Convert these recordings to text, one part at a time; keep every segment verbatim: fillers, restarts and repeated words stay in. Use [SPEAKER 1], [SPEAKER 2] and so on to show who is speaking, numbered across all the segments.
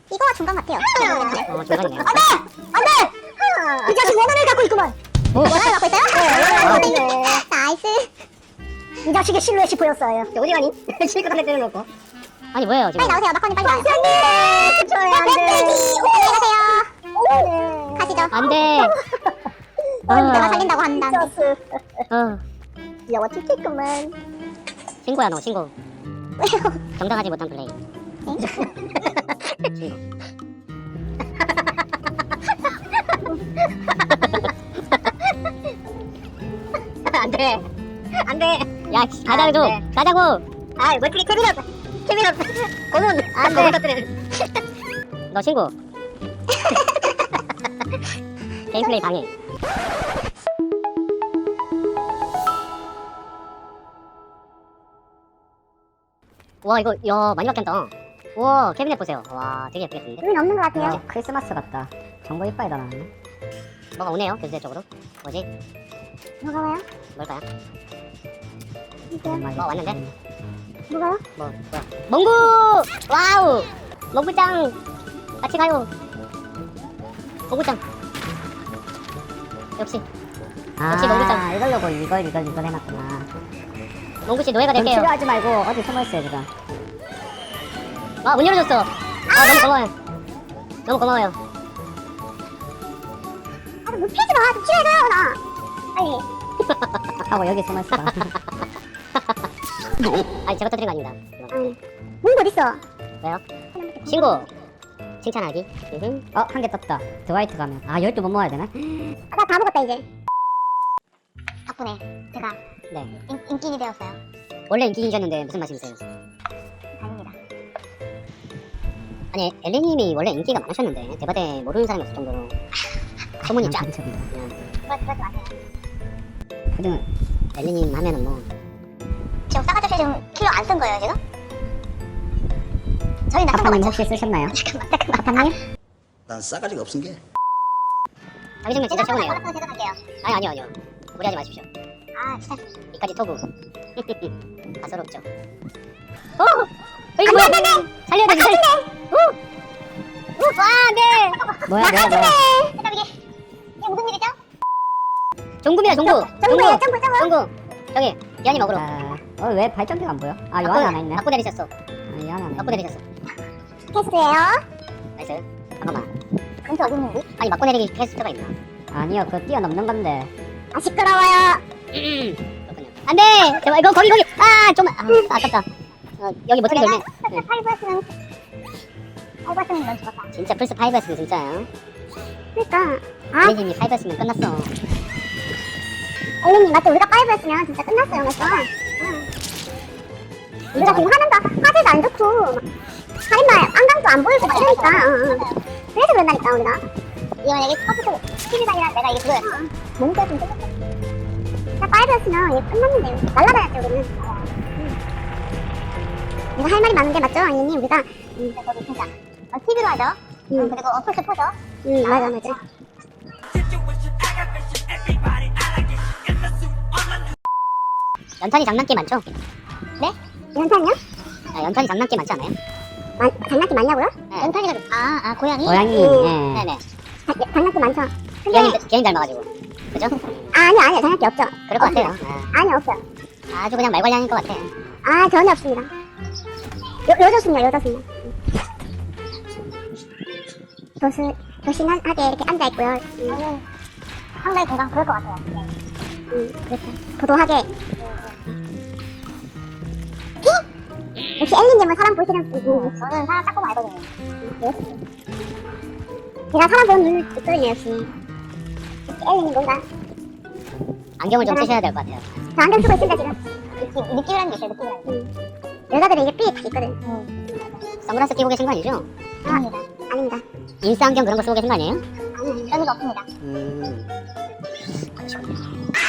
[SPEAKER 1] 이거 중간 같아요.
[SPEAKER 2] 어, 중간이네요.
[SPEAKER 1] 안돼! 안돼! 이 자식 원한을 갖고 있구만.
[SPEAKER 2] 오,
[SPEAKER 1] 원한을 갖고 있어요?
[SPEAKER 2] 아,
[SPEAKER 1] 네. 나이스. 이 자식의 실루엣이 보였어요.
[SPEAKER 2] 어디 가니? 실컷 한대 때려놓고. 아니 뭐예요 지금?
[SPEAKER 1] 빨리 나오세요. 마커님 빨리 나오세요. 안돼!
[SPEAKER 2] 저요 안돼.
[SPEAKER 1] 오, 안녕히 가세요. 가시죠.
[SPEAKER 2] 안돼.
[SPEAKER 1] 어, 내가 살린다고 한다.
[SPEAKER 2] 어,
[SPEAKER 1] 귀여워 틱틱구만.
[SPEAKER 2] 신고야 너 신고.
[SPEAKER 1] 왜요?
[SPEAKER 2] 정당하지 못한 플레이. 신고.
[SPEAKER 1] 안돼. 안돼.
[SPEAKER 2] 야, 씨, 가자고
[SPEAKER 1] 안 돼.
[SPEAKER 2] 가자고.
[SPEAKER 1] 아, 왜 그렇게 캐비넛. 캐비넛. 고문.
[SPEAKER 2] 안 돼. 너 신고. 게임 플레이 방해. 와 이거 야 많이 바뀌었다. 와 캐비넷 보세요. 와 되게 예쁘게 생겼는데.
[SPEAKER 1] 눈이 없는 것 같아요.
[SPEAKER 2] 야, 크리스마스 같다. 정보 이빨이 다 나왔네. 뭐가 오네요 교수대 쪽으로. 뭐지?
[SPEAKER 1] 뭐가 와요?
[SPEAKER 2] 뭘까요?
[SPEAKER 1] 이게요?
[SPEAKER 2] 뭐 왔는데?
[SPEAKER 1] 뭐가요?
[SPEAKER 2] 뭐 뭐야? 몽구! 와우! 몽구짱 같이 가요. 몽구짱. 역시 역시 몽구짱.
[SPEAKER 3] 아, 이러려고 이걸 이걸 이걸 해놨구나.
[SPEAKER 2] 몽구씨 노예가
[SPEAKER 3] 그럼
[SPEAKER 2] 될게요.
[SPEAKER 3] 치료하지 말고 어디 숨어있어요 지금.
[SPEAKER 2] 아 문 열어줬어. 아 너무 고마워요. 너무 고마워요.
[SPEAKER 1] 아, 좀 피하지 마. 좀 치료해줘요, 나. 빨리.
[SPEAKER 3] 하고 여기 숨어있어.
[SPEAKER 2] 아니 제가 터뜨린 거 아닙니다. 이건.
[SPEAKER 1] 아니. 문이 어딨어?
[SPEAKER 2] 왜요? 신고. 칭찬하기. 으흠.
[SPEAKER 3] 어, 한 개 떴다. 드와이트 가면. 아, 열두 못 모아야 되나?
[SPEAKER 1] 아, 나 다 먹었다, 이제. 덕분에 제가
[SPEAKER 2] 네.
[SPEAKER 1] 인, 인기인이 되었어요.
[SPEAKER 2] 원래 인기인이셨는데 무슨 말씀이세요?
[SPEAKER 1] 아닙니다.
[SPEAKER 2] 아니 엘리님이 원래 인기가 많으셨는데 대바대 모르는 사람이 없을 정도로 소문이 쫙.
[SPEAKER 3] 감사합니다.
[SPEAKER 2] 그냥
[SPEAKER 1] 그러, 그러지 마세요.
[SPEAKER 3] 그러면
[SPEAKER 2] 엘리님 하면은 뭐
[SPEAKER 1] 지금 싸가지 없이 지금 킬러 안 쓴 거예요, 지금? 저희 나쁜 거
[SPEAKER 3] 아빠님
[SPEAKER 1] 맞죠?
[SPEAKER 3] 혹시 쓰셨나요?
[SPEAKER 1] 잠깐만, 잠깐만.
[SPEAKER 3] 아빠님?
[SPEAKER 4] 난 싸가지가 없은 게.
[SPEAKER 2] 자기 정말 진짜 최고네요.
[SPEAKER 1] 연락처 제공할게요.
[SPEAKER 2] 아니 아니요 아니요 무리하지 마십시오.
[SPEAKER 1] 아, 진짜.
[SPEAKER 2] 이까지 토부. 가소롭죠. 어! 어 이거 뭐야? 살려야 돼 살려. 어! 어! 와 네.
[SPEAKER 3] 뭐야, 뭐야, 뭐야.
[SPEAKER 1] 잠깐, 이게. 이게 무슨 일이죠?
[SPEAKER 2] 종구입니다 종구.
[SPEAKER 1] 점프예요, 점프, 점프.
[SPEAKER 2] 종구. 저기 기한이 먹으러.
[SPEAKER 3] 아, 어, 왜 발전기가 안 보여? 아, 요
[SPEAKER 2] 바꾸-
[SPEAKER 3] 안에 하나 있네.
[SPEAKER 2] 바꾸 내리셨어.
[SPEAKER 3] 아, 이 안에 하나
[SPEAKER 2] 바꾸
[SPEAKER 3] 있네.
[SPEAKER 2] 내리셨어.
[SPEAKER 1] 패스예요.
[SPEAKER 2] 나이스. 한 번만.
[SPEAKER 1] 근처 어디 있는지?
[SPEAKER 2] 아니 맞고 내리기 퀘스트가 있나?
[SPEAKER 3] 아니요, 그거 뛰어넘는 건데.
[SPEAKER 1] 아, 시끄러워요.
[SPEAKER 2] 그렇군요. 안돼. 제발 이거 거기 거기. 아 좀만. 아 아깝다. 어, 여기 못 찾게
[SPEAKER 1] 내가
[SPEAKER 2] 됐네.
[SPEAKER 1] 스텝 파이브였으면 파이브였으면 넌 죽었다.
[SPEAKER 2] 진짜 플스 파이브였으면 진짜요.
[SPEAKER 1] 그러니까. 아,
[SPEAKER 2] 엘리님이 파이브였으면 끝났어.
[SPEAKER 1] 엘리님, 맞죠? 우리가 파이브였으면 진짜 끝났어요, 맞죠? 응. 우리가 지금 하는 거 화질도 안 좋고 살인마 안강도 안 보이고 막 이러니까. 응, 응. 그래서 그런다니까, 우리가. 이건 이게 컴퓨터 티비가 아니라 내가 이게 그거였어. 몸도 좀 끝났어. 진짜 파이브였으면 이게 끝났는데 날라다녔죠, 우리는. 응. 우리가 할 말이 많은데 맞죠, 엘리님? 우리가 응. 저기 진짜 어, 티비로 하죠. 응. 그리고 어플스 포죠. 응, 맞아, 맞아.
[SPEAKER 2] 연탄이 장난기 많죠?
[SPEAKER 1] 네? 연탄이요?
[SPEAKER 2] 아, 연탄이 장난기 많지 않아요?
[SPEAKER 1] 마, 장난기 많냐고요?
[SPEAKER 2] 네.
[SPEAKER 1] 연탄이가 아, 아 고양이?
[SPEAKER 3] 고양이,
[SPEAKER 1] 응.
[SPEAKER 3] 예.
[SPEAKER 2] 네네.
[SPEAKER 1] 자, 예, 장난기 많죠? 근데
[SPEAKER 2] 기한이 기한이 닮아가지고. 그죠?
[SPEAKER 1] 아니요, 아니요, 장난기 없죠?
[SPEAKER 2] 그럴 것
[SPEAKER 1] 없습니다.
[SPEAKER 2] 같아요.
[SPEAKER 1] 아니요, 없어요.
[SPEAKER 2] 아, 아주 그냥 말괄량인 것 같아.
[SPEAKER 1] 아, 전혀 없습니다. 요, 요조순이요, 요조순. 도스, 도신하게 이렇게 앉아있고요. 음. 상당히 건강 그럴 것 같아요. 네. 음, 그렇죠. 도도하게. 히? 역시 엘리님은 사람 보시는 분. 음, 저는 사람 딱 보면 알거든요. 음, 네. 제가 사람 보는 눈을 있거든요, 역시. 역시 엘리님 뭔가.
[SPEAKER 2] 안경을 좀 쓰셔야 될 것 같아요.
[SPEAKER 1] 저 안경 쓰고 있습니다, 지금. 느낌, 느낌이라는 게 있어요, 느낌이라는 게. 음. 여자들은 이게 삐 다 있거든. 음.
[SPEAKER 2] 선글라스 끼고 계신 거 아니죠?
[SPEAKER 1] 아닙니다. 아닙니다.
[SPEAKER 2] 인싸 안경 그런 거 쓰고 계신 거 아니에요?
[SPEAKER 1] 아니, 그런 거 없습니다.
[SPEAKER 2] 음. 그러시군요.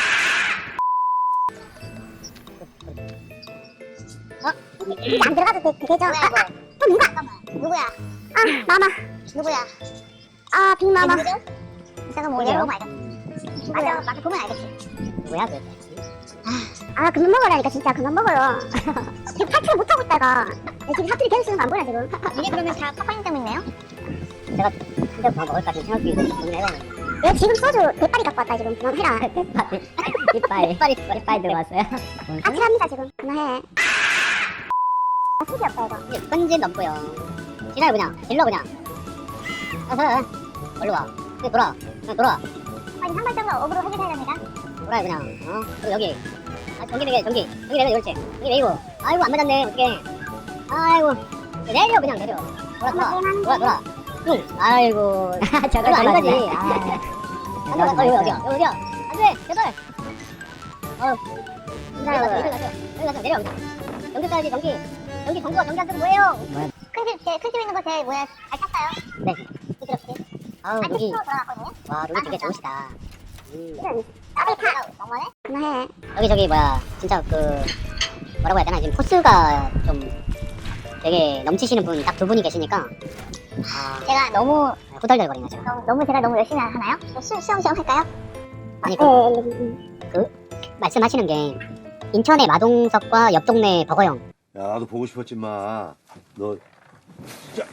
[SPEAKER 1] 이제 안 들어가도 되, 되죠? 아, 아, 또 누가? 누구야? 아, 마마. 누구야? 아, 빅마마. 누구죠? 이따가 뭐
[SPEAKER 2] 누구예요?
[SPEAKER 1] 열어보면 알겠지. 맞아, 맞아, 보면 알겠지.
[SPEAKER 2] 누구야 도대체?
[SPEAKER 1] 아, 그만 먹으라니까, 진짜. 그만 먹어요. 지금 탈출 못하고 있다가. 지금 사투리 계속 쓰는 거 안 보여 지금?
[SPEAKER 2] 이게 그러면 다 파파님 때문이네요? 제가 한잔 더 먹을까 지금 생각 중에 고민해봤는데.
[SPEAKER 1] 얘 지금 소주 대파리 갖고 왔다 지금. 그만해라.
[SPEAKER 3] 이빨, 이빨,
[SPEAKER 2] 이빨이
[SPEAKER 3] 이빨 들어왔어요.
[SPEAKER 1] 같이 합니다 지금. 그만해. 아, 수지 없다 이거.
[SPEAKER 2] 이제 끈질 넘고요. 지나요 그냥. 일러 그냥. 어서. 얼른 와. 그냥 돌아. 그냥 돌아.
[SPEAKER 1] 아니 상발적으로 업으로 해결해야 됩니다.
[SPEAKER 2] 돌아요 그냥. 어? 그리고 여기. 아 전기 매겨 전기. 전기 매겨 옳지. 전기 매기고. 아이고 안 맞았네. 어떡해. 아이고. 내려 그냥 내려. 돌아 돌아. 돌아 돌아. 응. 아이고.
[SPEAKER 3] 저거
[SPEAKER 2] 이거 아니지.
[SPEAKER 3] 들어왔네.
[SPEAKER 2] 아. 안 돼, 어, 여기 어디야? 여기 어디야? 안 돼, 여덟. 어. 여기 가세요, 여기 가세요. 여기 가세요, 내려, 그냥. 전기 써야지, 전기. 전기, 전구가 전기 안 쓰면 뭐예요?
[SPEAKER 3] 뭐야?
[SPEAKER 1] 큰집 제 큰집 있는 거 제 뭐야 잘 탔어요.
[SPEAKER 2] 네.
[SPEAKER 1] 부드럽게.
[SPEAKER 2] 아우,
[SPEAKER 1] 아직
[SPEAKER 2] 룩이.
[SPEAKER 1] 프로 들어갔거든요.
[SPEAKER 2] 와, 룩이 되게 좋으시다. 음.
[SPEAKER 1] 이런 따뜻하. 너무하네. 그만해.
[SPEAKER 2] 여기 저기 뭐야, 진짜 그, 뭐라고 해야 되나, 지금 포스가 좀 되게 넘치시는 분 딱 두 분이 계시니까. 아,
[SPEAKER 1] 제가 너무
[SPEAKER 2] 후덜덜거리네, 지금.
[SPEAKER 1] 너무, 너무 제가 너무 열심히 하나요? 시, 시험 시험 할까요?
[SPEAKER 2] 아니,
[SPEAKER 1] 네,
[SPEAKER 2] 그,
[SPEAKER 1] 네, 네, 네.
[SPEAKER 2] 말씀하시는 게, 인천의 마동석과 옆 동네 버거형.
[SPEAKER 4] 야, 나도 보고 싶었지, 마. 너, 진짜.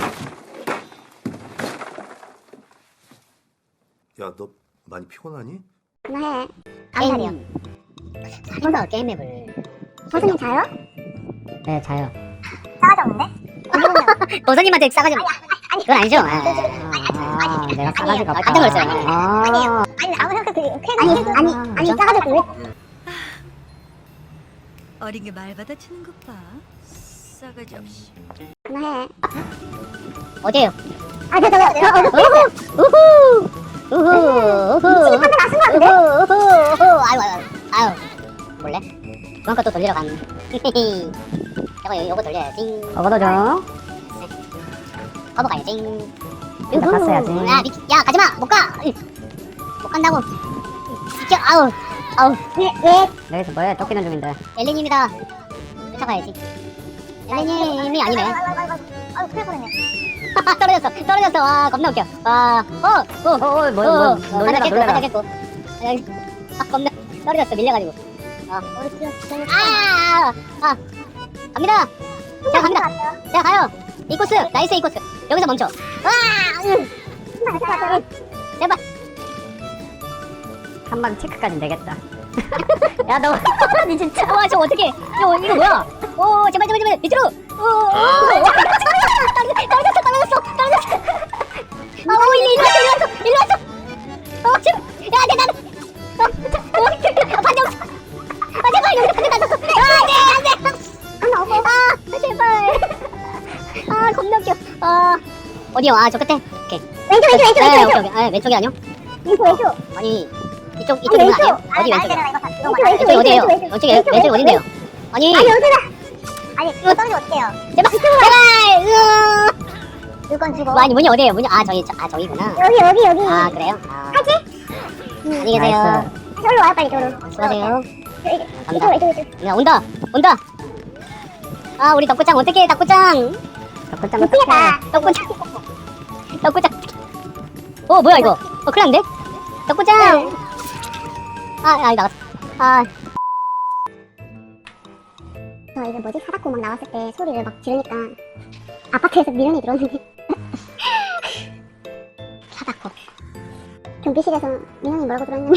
[SPEAKER 4] 야, 너 많이 피곤하니?
[SPEAKER 1] 그만해. 암살이요.
[SPEAKER 2] 살면서 게임 맵을.
[SPEAKER 1] 선생님 자요?
[SPEAKER 3] 네, 자요.
[SPEAKER 1] 싸가지 없는데?
[SPEAKER 2] 도사님한테 싸가지. 그건 아니죠? 아,
[SPEAKER 3] 아, 내가 싸가지가
[SPEAKER 2] 아,
[SPEAKER 3] 없다.
[SPEAKER 2] 깜짝 놀랐어요.
[SPEAKER 3] 아,
[SPEAKER 1] 아니 아무 생각 들이 아니 아니 아니 싸가지 없고 왜?
[SPEAKER 5] 어린 게 말 받아치는 것 봐. 싸가지 없이.
[SPEAKER 1] 그만해.
[SPEAKER 2] 어디에요?
[SPEAKER 1] 아저 저 저 어저
[SPEAKER 2] 우후! 우후! 우후!
[SPEAKER 1] 지금 한대 맞은 거 같은데?
[SPEAKER 2] 우후! 우후! 우후! 아유, 아유, 아유. 몰래? 그만 것도 돌리러 간. 히히히. 저거, 요거 돌려야지.
[SPEAKER 3] 먹어도 좀.
[SPEAKER 2] 커버 가야지.
[SPEAKER 3] 나 갔어야지.
[SPEAKER 2] 야, 미, 야, 가지마! 못 가! 으이. 못 간다고. 비켜! 아우! 아우!
[SPEAKER 1] 왜 왜?
[SPEAKER 3] 여기서 뭐해? 쫓기는 중인데.
[SPEAKER 2] 엘리님이다. 쫓아가야지. 엘리님이 아니네.
[SPEAKER 1] 아유 큰일 뻔했네.
[SPEAKER 2] 떨어졌어! 떨어졌어! 와, 겁나 웃겨. 와, 어! 어!
[SPEAKER 3] 어, 어, 뭐, 뭐, 놀래라,
[SPEAKER 2] 깼고,
[SPEAKER 3] 놀래라.
[SPEAKER 2] 깼고. 아, 겁나 떨어졌어, 밀려가지고. 아,
[SPEAKER 1] 우리 집에 집에
[SPEAKER 2] 아, 아, 갑니다. 제가 갑니다. 제가 가요. 이 코스, 나이스 이 코스. 여기서 멈춰. 와, 응.
[SPEAKER 1] 신발 갖고 왔어요.
[SPEAKER 2] 제발.
[SPEAKER 3] 한 방 체크까지는 되겠다. 야, 너, 니 진짜.
[SPEAKER 2] 와, 저 어떻게? 이거 이거 뭐야? 오, 제발 제발 제발 밑으로. 오, 오, 떨어졌어, 떨어졌어, 떨어졌어, 떨어졌어. 아, 오, 일로 일로 왔어, 일로 왔어, 일로 왔어. 어, 제발. 야, 내 나는. 어, 어, 아, 반대 없어. 아, 제발 여기서 반대 놨었어. 아, 네, 안 돼.
[SPEAKER 1] 하나 오고.
[SPEAKER 2] 아, 제발. 아, 겁나 웃겨. 아, 어디요? 아, 저 끝에. 오케이.
[SPEAKER 1] 왼쪽 왼쪽 왼쪽
[SPEAKER 2] 네,
[SPEAKER 1] 왼쪽
[SPEAKER 2] 오케이, 오케이. 아, 왼쪽이 아니요?
[SPEAKER 1] 왼쪽 왼쪽.
[SPEAKER 2] 아니, 이쪽 이쪽은 아니에요? 어디 왼쪽이야?
[SPEAKER 1] 왼쪽 왼쪽
[SPEAKER 2] 왼쪽이 어디예요?
[SPEAKER 1] 왼쪽
[SPEAKER 2] 왼쪽이 왼쪽이 어딘데요? 아니,
[SPEAKER 1] 아니 여기다. 아니 이거 떨어지면 어떡해요?
[SPEAKER 2] 제발, 제발. 으아.
[SPEAKER 1] 물건 주고.
[SPEAKER 2] 뭐, 아니 문이 어디예요? 문이 아 저기 저, 아 저기구나.
[SPEAKER 1] 여기 여기 여기.
[SPEAKER 2] 아 그래요? 아,
[SPEAKER 1] 하지?
[SPEAKER 2] 안녕히 계세요.
[SPEAKER 3] 나이스.
[SPEAKER 1] 저기로 와요 빨리 저기로.
[SPEAKER 2] 수고하세요.
[SPEAKER 1] 이쪽 이쪽 이쪽.
[SPEAKER 2] 야, 온다, 온다. 아 우리 덕구짱 어떡해, 덕구짱.
[SPEAKER 3] 덕분장
[SPEAKER 1] 미치겠다.
[SPEAKER 3] 어떡해.
[SPEAKER 2] 덕구짱, 덕구짱. 어 뭐야 이거? 어 큰일 났는데? 덕구짱. 아, 아 나갔어. 아,
[SPEAKER 1] 저 이제 뭐지 사다코 막 나왔을 때 소리를 막 지르니까 아파트에서 미련이 들었는데.
[SPEAKER 2] 사다코.
[SPEAKER 1] 경비실에서 민원이 뭐라고 들었는데.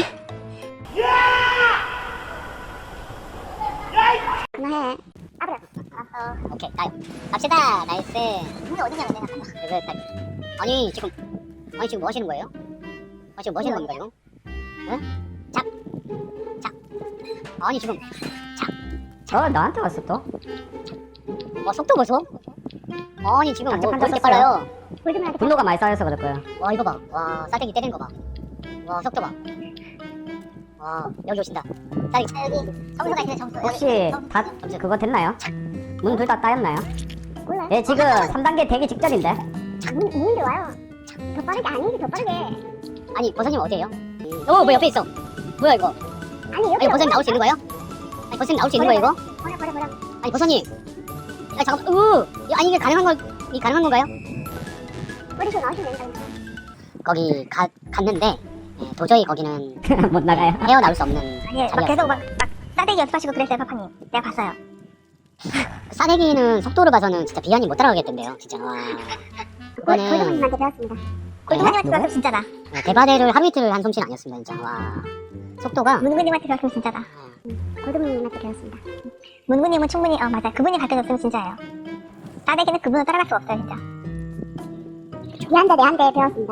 [SPEAKER 1] 그만해. 아브라. 알았어.
[SPEAKER 2] 오케이, 나 갑시다. 나이스.
[SPEAKER 1] 문이 어디냐고 내가.
[SPEAKER 2] 그거 딱. 아니 지금 아니 지금 뭐 하시는 거예요? 아 지금 뭐 하시는 겁니까 지금? 응? 작, 작. 아니 지금
[SPEAKER 3] 어, 나한테 왔어, 또?
[SPEAKER 2] 어 속도 보소. 아니 지금 뭐
[SPEAKER 3] 깜짝
[SPEAKER 2] 그렇게
[SPEAKER 3] 깜짝
[SPEAKER 2] 빨라요?
[SPEAKER 1] 볼좀 해야 돼.
[SPEAKER 3] 분노가 많이 쌓여서 그럴 거야.
[SPEAKER 2] 와 이거 봐. 와 싸대기 때리는 거 봐. 와 속도 봐. 와 여기 오신다. 싸대기.
[SPEAKER 1] 아, 여기 점수가 있네 점수.
[SPEAKER 3] 혹시 다 그거 됐나요? 문 둘 다 따였나요?
[SPEAKER 1] 몰라요.
[SPEAKER 3] 예, 지금 삼 단계 대기 직전인데.
[SPEAKER 1] 문 문인데 와요. 더 빠르게 아니지 더 빠르게.
[SPEAKER 2] 아니 보사님 어디에요? 어 뭐 옆에 있어. 뭐야 이거?
[SPEAKER 1] 아니 여기.
[SPEAKER 2] 아니 보사님 나올 수 있는 거예요? 아니 보사님 나올 수 있는 거예요 이거?
[SPEAKER 1] 버려 버려 버려.
[SPEAKER 2] 아니 보사님. 아 잠깐. 으. 아니 이게 가능한 거? 이 가능한 건가요?
[SPEAKER 1] 버리고 나오시면 된다.
[SPEAKER 2] 거기 가, 갔는데 예, 도저히 거기는
[SPEAKER 3] 못 나가요.
[SPEAKER 2] 헤어나올 수 없는
[SPEAKER 1] 아니 막
[SPEAKER 2] 자리였어요.
[SPEAKER 1] 계속 막, 막 싸대기 연습하시고 그랬어요 파파님. 내가 봤어요.
[SPEAKER 2] 싸대기는 속도를 봐서는 진짜 비아님 못 따라가겠던데요 진짜. 와. 이거는
[SPEAKER 1] 골드문님한테 배웠습니다.
[SPEAKER 2] 골드문님한테
[SPEAKER 1] 배웠으면 진짜다.
[SPEAKER 2] 대바대를 하루 이틀을 한 솜씨는 아니었습니다 진짜. 와. 속도가
[SPEAKER 1] 문구님한테 배웠으면 진짜다. 골드문님한테 배웠습니다. 문구님은 충분히 어 맞아. 그분이 가르쳐줬으면 진짜예요. 싸대기는 그분을 따라갈 수 없어요 진짜. 미안대 내한대 배웠습니다.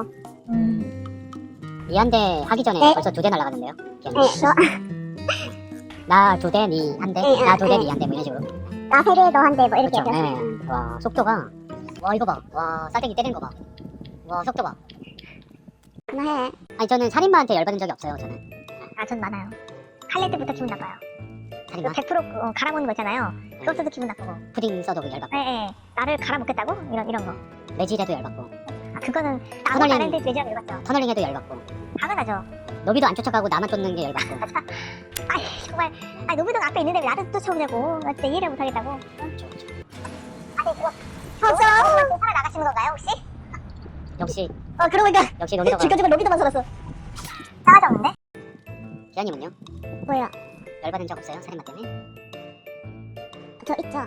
[SPEAKER 2] 이한대 하기 전에
[SPEAKER 1] 네.
[SPEAKER 2] 벌써 두 대 날라갔는데요.
[SPEAKER 1] 네, 저,
[SPEAKER 2] 나 두 대, 니 한 대,
[SPEAKER 1] 네,
[SPEAKER 2] 나 두 대,
[SPEAKER 1] 네.
[SPEAKER 2] 니 한 대, 뭐 이런 식으로.
[SPEAKER 1] 나 세 대, 너 한 대, 뭐 이렇게
[SPEAKER 2] 그렇죠.
[SPEAKER 1] 배웠어요.
[SPEAKER 2] 네. 와, 속도가. 와, 이거 봐. 와, 싸대기 때리는 거 봐. 와, 속도 봐.
[SPEAKER 1] 그만해.
[SPEAKER 2] 아니, 저는 살인마한테 열받은 적이 없어요, 저는.
[SPEAKER 1] 아, 전 많아요. 칼낼 때부터 기분 나빠요.
[SPEAKER 2] 살인마?
[SPEAKER 1] 백 퍼센트 어, 갈아먹는 거 있잖아요. 그것도 기분 나쁘고.
[SPEAKER 2] 푸딩 써도 열받고.
[SPEAKER 1] 예, 예. 나를 갈아먹겠다고? 이런, 이런 거.
[SPEAKER 2] 매질해도 열받고.
[SPEAKER 1] 아, 그거는 나도
[SPEAKER 2] 터널링.
[SPEAKER 1] 다른데 내지라고 읽었죠.
[SPEAKER 2] 터널링해도 열받고.
[SPEAKER 1] 당연하죠.
[SPEAKER 2] 노비도 안 쫓아가고 나만 쫓는 게 열받고.
[SPEAKER 1] 아이, 정말. 아니, 노비동 앞에 있는데 왜 나를 쫓아오냐고. 나 진짜 이해를 못하겠다고. 아니, 그거. 저, 살아나가시는 건가요, 혹시?
[SPEAKER 2] 역시,
[SPEAKER 1] 어, 그러고 보니까.
[SPEAKER 2] 역시 노비도가.
[SPEAKER 1] 지금까지 노비도만 살았어. 싸가지 없는데?
[SPEAKER 2] 기아님은요?
[SPEAKER 1] 뭐예요?
[SPEAKER 2] 열받은 적 없어요? 살인마 때문에?
[SPEAKER 1] 저 있죠.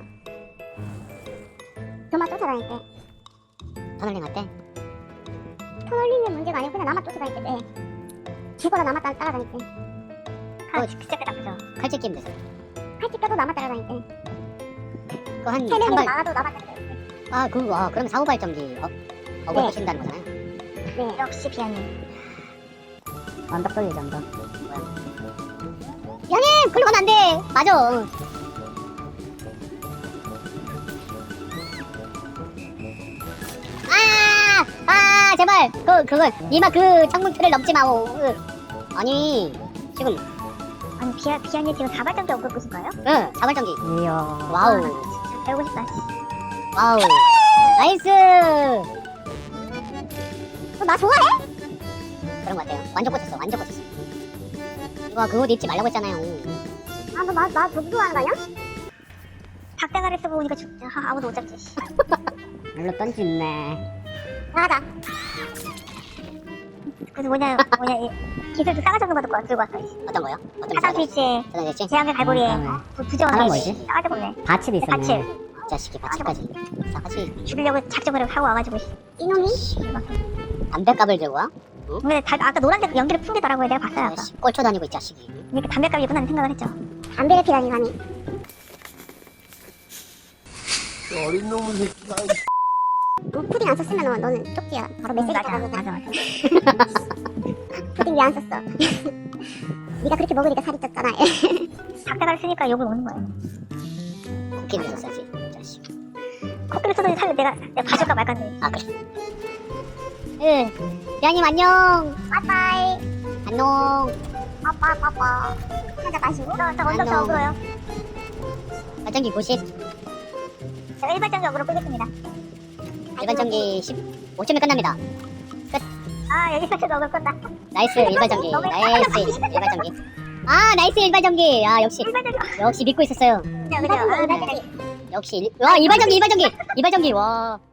[SPEAKER 1] 저만 쫓아다닐 때.
[SPEAKER 2] 터널링 할 때?
[SPEAKER 1] 터널리는 문제가 아니고 그냥 나만 쫓아다닐 때. 네. 죽어라 나만 따, 따라다닐 때. 아, 진짜 그 나쁘죠.
[SPEAKER 2] 칼집 게임 되세요?
[SPEAKER 1] 칼집 껴도 나만 따라다닐 때.
[SPEAKER 2] 그거 한,
[SPEAKER 1] 세 명이
[SPEAKER 2] 한 발.
[SPEAKER 1] 나와도 나만 따라다닐 때.
[SPEAKER 2] 아, 그, 와, 그럼 사후 발전기, 어, 어글
[SPEAKER 1] 네.
[SPEAKER 2] 보신다는 거잖아요?
[SPEAKER 1] 네. 역시 비아님.
[SPEAKER 2] 언덕 돌리죠, 언덕. 야님! 글로 가면 안 돼! 맞아! 아! 아, 제발! 그, 그걸, 니마 그 창문틀을 넘지 마오. 으. 아니, 지금,
[SPEAKER 1] 아니, 비아, 비아님 지금 사발전기 업고 보신 거예요?
[SPEAKER 2] 응, 사발전기.
[SPEAKER 3] 이야.
[SPEAKER 2] 와우.
[SPEAKER 1] 진짜 배우고 싶다.
[SPEAKER 2] 와우. 나이스!
[SPEAKER 1] 어, 나 좋아해?
[SPEAKER 2] 그런 것 같아요. 완전 꽂혔어, 완전 꽂혔어. 와, 그 옷 입지 말라고 했잖아요.
[SPEAKER 1] 아, 너 나, 나 너무 좋아하는 거 아니야? 닭대가리 쓰고 오니까 진짜 아, 아무도 못 잡지.
[SPEAKER 3] 물로 던지네.
[SPEAKER 1] 나가자. 그래서 뭐냐, 뭐냐, 이 기술도 싸가지 없는 것도 들고 왔어.
[SPEAKER 2] 어떤 거요? 어떤
[SPEAKER 1] 사단
[SPEAKER 2] 거요?
[SPEAKER 1] 스위치에
[SPEAKER 2] 어떤 거였지?
[SPEAKER 1] 제한계 갈고리에
[SPEAKER 3] 아,
[SPEAKER 1] 부- 부정한
[SPEAKER 3] 하나
[SPEAKER 1] 게
[SPEAKER 3] 뭐지?
[SPEAKER 1] 싸가지 없네.
[SPEAKER 3] 받침이 있었네.
[SPEAKER 1] 받침.
[SPEAKER 2] 이 자식이 바치까지. 싸가지.
[SPEAKER 1] 죽이려고 작정을 하고 와가지고. 이놈이?
[SPEAKER 2] 담배값을 들고 와?
[SPEAKER 1] 근데 다, 아까 노란색 연기를 풍기더라고요. 내가 봤어요. 아까.
[SPEAKER 2] 아씨, 꼴초 다니고 이 자식이.
[SPEAKER 1] 이렇게 담배값이구나 생각을 했죠. 담배를 피다니 감히.
[SPEAKER 4] 어린 놈의 새끼가.
[SPEAKER 1] 어, 푸딩 안 썼으면 너, 너는 쪽지야. 바로 메시지
[SPEAKER 2] 맞아,
[SPEAKER 1] 가고.
[SPEAKER 2] 맞아,
[SPEAKER 1] 맞아. 푸딩 왜 안 썼어? 네가 그렇게 먹으니까 살이 쪘잖아. 닭다가를 쓰니까 욕을 먹는 거예요.
[SPEAKER 2] 코끼리 썼어야지, 이 자식.
[SPEAKER 1] 코끼리 써도 살면 내가, 내가 봐줄까 말까 해.
[SPEAKER 2] 아, 그래. 예. 야님 안녕.
[SPEAKER 1] 빠빠이.
[SPEAKER 2] 안녕.
[SPEAKER 1] 빠빠 빠빠. 한잔 마시고. 저, 저 언덕 저
[SPEAKER 2] 안녕.
[SPEAKER 1] 어그로요.
[SPEAKER 2] 발전기 구십.
[SPEAKER 1] 저 일반적인 어그로 끄겠습니다.
[SPEAKER 2] 일반전기 십오 초면 끝납니다.
[SPEAKER 1] 아, 여기서 저 어그로 끈다.
[SPEAKER 2] 나이스 일반전기. 나이스 일반전기. 아, 나이스 일반전기. 아, 역시.
[SPEAKER 1] 일반적인
[SPEAKER 2] 역시 믿고 있었어요.
[SPEAKER 1] 그죠, 그죠. 아, 일반적인.
[SPEAKER 2] 역시 일... 와, 이발전기 이발전기. 이발전기. 와.